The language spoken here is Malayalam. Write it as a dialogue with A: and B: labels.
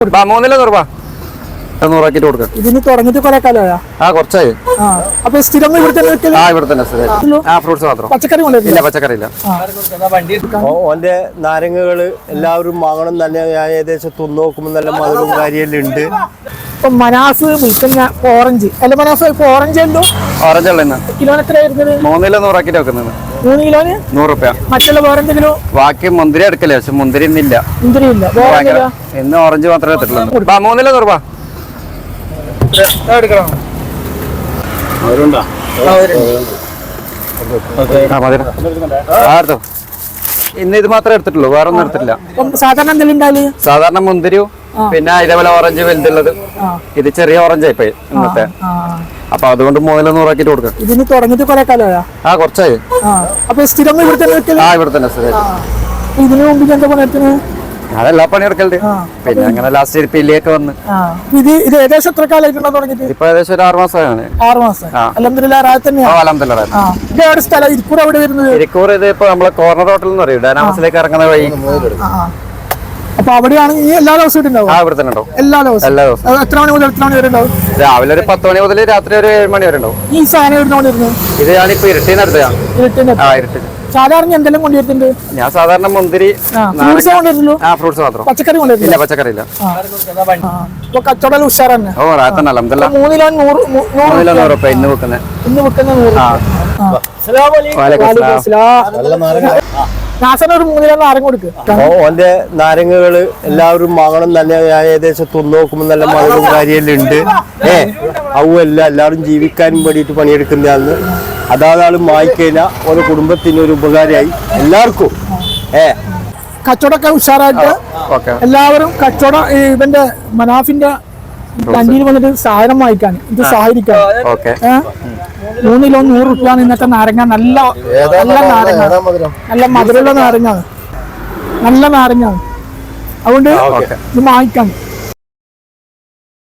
A: 3 രൂപ 100 കൊടുക്കാം.
B: ഇതിന് തുടങ്ങിയിട്ട് കുറെ കാലമായോ?
A: കുറച്ചായി.
B: അപ്പൊ സ്ഥിരം ഇവിടെ തന്നെ
A: ഫ്രൂട്ട്സ് മാത്രം,
B: പച്ചക്കറി കൊണ്ടില്ല?
A: പച്ചക്കറി ഇല്ല.
C: ഓന്റെ നാരങ്ങകള് എല്ലാവരും വാങ്ങണം തന്നെ. ഞാൻ ഏകദേശം തിന്നു നോക്കുമ്പോൾ നല്ല മധുരവും കാര്യമെല്ലാം ഉണ്ട്.
B: ഇപ്പൊ മനാസ് വിൽക്കുന്ന ഓറഞ്ച് അല്ല, മനാസ് ഓറഞ്ച് ഉണ്ടോ?
A: ഓറഞ്ച് ഉള്ള
B: കിലോന് എത്ര വരുന്നത്?
A: 3 100 വെക്കുന്നത്.
B: 3 കിലോന്
A: 100 രൂപ.
B: മറ്റുള്ള വേറെ എന്തെങ്കിലും?
A: ബാക്കി മുന്തിരി എടുക്കല്ലേ, പക്ഷെ മുന്തിരി ഇന്നില്ല.
B: മുന്തിരി ഇല്ല.
A: ഇന്ന് ഓറഞ്ച് മാത്രമേ എടുത്തിട്ടുള്ളൂ. 3 100 എടുക്കണം. ഇന്ന് ഇത് മാത്രമേ എടുത്തിട്ടുള്ളൂ, വേറെ ഒന്നും എടുത്തിട്ടില്ല.
B: സാധാരണ എന്തെങ്കിലും ഉണ്ടാവില്ല?
A: സാധാരണ മുന്തിരിയും പിന്നെ ഇതേപോലെ ഓറഞ്ച് വലുതുള്ളത്. ഇത് ചെറിയ ഓറഞ്ച് ആയിപ്പോയി ഇന്നത്തെ. അപ്പൊ അതുകൊണ്ട് 3 100 കൊടുക്കാം.
B: ഇതിന് തുടങ്ങിയിട്ട് കുറെ കാലമായോ?
A: കുറച്ചായി.
B: അപ്പൊ സ്ഥിരം ഇവിടെ തന്നെ?
A: ഇവിടെ തന്നെ.
B: ഇതിനു മുമ്പ് എന്താ പണിയെടുക്കുന്നത്?
A: അതെല്ലാ പണിയെടുക്കലുണ്ട്. പിന്നെ അങ്ങനെ ലാസ്റ്റ് പില്ലിയൊക്കെ വന്ന്.
B: ഇത് ഏകദേശം എത്ര കാലമായിട്ടുണ്ടോ തുടങ്ങിയിട്ട്?
A: ഇപ്പൊ ഏകദേശം ഒരു 6 മാസമാണ്.
B: 6 മാസം. അൽഹംദുലില്ലാഹ് തന്നെയാണ്. സ്ഥലം ഇരിക്കൂർ എവിടെ വരുന്നത്?
A: ഇരിക്കൂർ ഇത് ഇപ്പൊ നമ്മളെ കോർണർ ഹോട്ടൽ എന്ന് പറയും, ഡൈനാമസിലേക്ക് ഇറങ്ങുന്ന വഴി.
B: അപ്പൊ അവിടെയാണ് ഈ എല്ലാ ദിവസവും ഉണ്ടാവും?
A: ഇവിടെ തന്നെ ഉണ്ടാവും
B: എല്ലാ ദിവസവും. എത്ര മണി മുതൽ എത്ര മണി വരെ ഉണ്ടാവും?
A: രാവിലെ ഒരു 10 മണി മുതൽ രാത്രി ഒരു 7 മണി വരെ ഉണ്ടാവും.
B: ഈ സാധനം എവിടെ വരുന്നത്?
A: ഇത് ഞാനിപ്പോ ഇരുട്ടിനടുത്താണ്.
B: ഇരുട്ടിന് സാധാരണ എന്തെല്ലാം കൊണ്ടുവരുന്നുണ്ട്?
A: ഞാൻ സാധാരണ മുന്തിരി, ഫ്രൂട്ട്സ് മാത്രം.
B: പച്ചക്കറി കൊണ്ടുവരില്ല?
A: പച്ചക്കറി ഇല്ല.
B: കച്ചവടം ഉഷാർ തന്നെ.
A: റാത്തന്നെ അൽഹംദുലില്ലാഹ്.
B: 3 കിലോ 100
A: രൂപ ഇന്ന് വെക്കുന്നത്.
B: 100. ഒരു 3 കിലോ നാരങ്ങ കൊടുക്കുക.
C: ഓന്റെ നാരങ്ങകള് എല്ലാവരും വാങ്ങണം തന്നെ. ഞാൻ ഏകദേശം തിന്നു നോക്കുമ്പോൾ നല്ല മധുരവും കാര്യമെല്ലാം ഉണ്ട്. അവല്ല എല്ലാവരും ജീവിക്കാനും വേണ്ടിയിട്ട് പണിയെടുക്കുന്നതാണ്. അതാണ് വായിക്കഴിഞ്ഞാൽ ഓരോ കുടുംബത്തിന് ഒരു ഉപകാരമായി എല്ലാവർക്കും.
B: കച്ചവടമൊക്കെ ഉഷാറായിട്ട് എല്ലാവരും കച്ചവടം ഇവന്റെ മനാഫിന്റെ കണ്ടിയിൽ വന്നിട്ട് സാധനം വാങ്ങിക്കാൻ ഇത് സഹായിക്കാൻ. 3 കിലോ 100 രൂപയാണ് ഇന്നത്തെ നാരങ്ങ. നല്ല നാരങ്ങ, നല്ല മധുരമുള്ള നാരങ്ങാണ്, നല്ല നാരങ്ങാണ്. അതുകൊണ്ട് ഇത് വാങ്ങിക്കാൻ.